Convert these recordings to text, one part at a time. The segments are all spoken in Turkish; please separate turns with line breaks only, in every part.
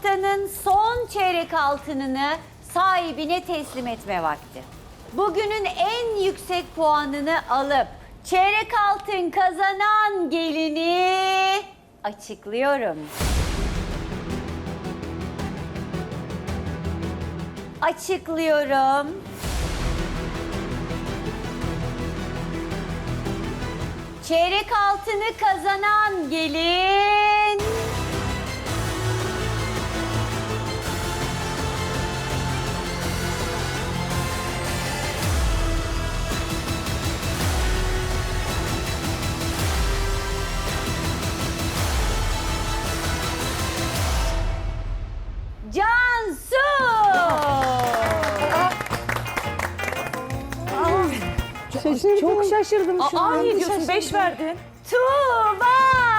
Haftanın son çeyrek altınını sahibine teslim etme vakti. Bugünün en yüksek puanını alıp çeyrek altın kazanan gelini açıklıyorum. Açıklıyorum. Çeyrek altını kazanan gelin... Cansu!
Çok şaşırdım şu an.
Ne diyorsun? 5 verdin.
Tuğba!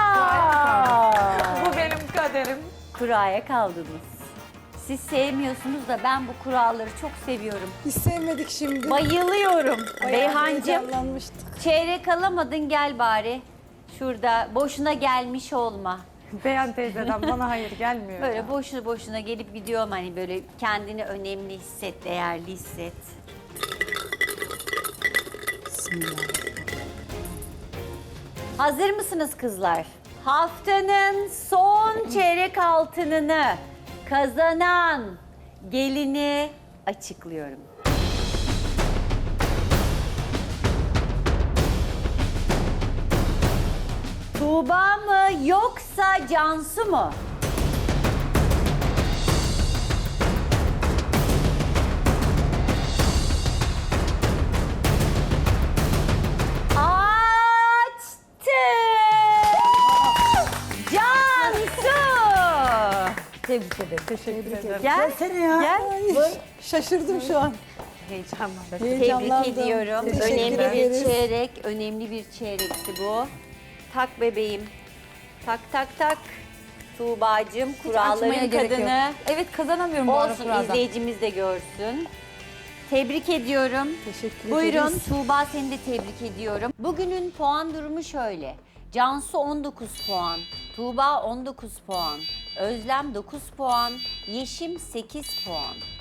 Bu benim kaderim.
Kuraya kaldınız. Siz sevmiyorsunuz da ben bu kuralları çok seviyorum.
Hiç sevmedik şimdi.
Bayılıyorum.
Bayağı
Beyhancığım,
heyecanlanmıştık.
çeyrek alamadın, gel bari. Şurada boşuna gelmiş olma.
Beyan teyzeden bana hayır gelmiyor.
Böyle
ya.
boşuna boşuna gelip gidiyorum, hani böyle kendini önemli hisset, değerli hisset. Hazır mısınız kızlar? Haftanın son çeyrek altınını kazanan gelini açıklıyorum. Tuğba mı yoksa Cansu mu? Cansu!
Tebrik ederim.
Teşekkür ederim.
Gel.
Seni ya.
Gel.
Şaşırdım şu an.
Heyecanlandım.
Tebrik
Heyecanlandım.
ediyorum.
Teşekkür
Önemli bir
ederiz.
çeyrek, önemli bir çeyrekti bu. Tak bebeğim. Tak tak tak. Tuğbacığım, kuralların kadını.
Evet, kazanamıyorum bu ara
Olsun,
kuraldan.
izleyicimiz de görsün. Tebrik ediyorum.
Teşekkür
Buyurun,
ederiz.
Tuğba, seni de tebrik ediyorum. Bugünün puan durumu şöyle. Cansu 19 puan, Tuğba 19 puan, Özlem 9 puan, Yeşim 8 puan.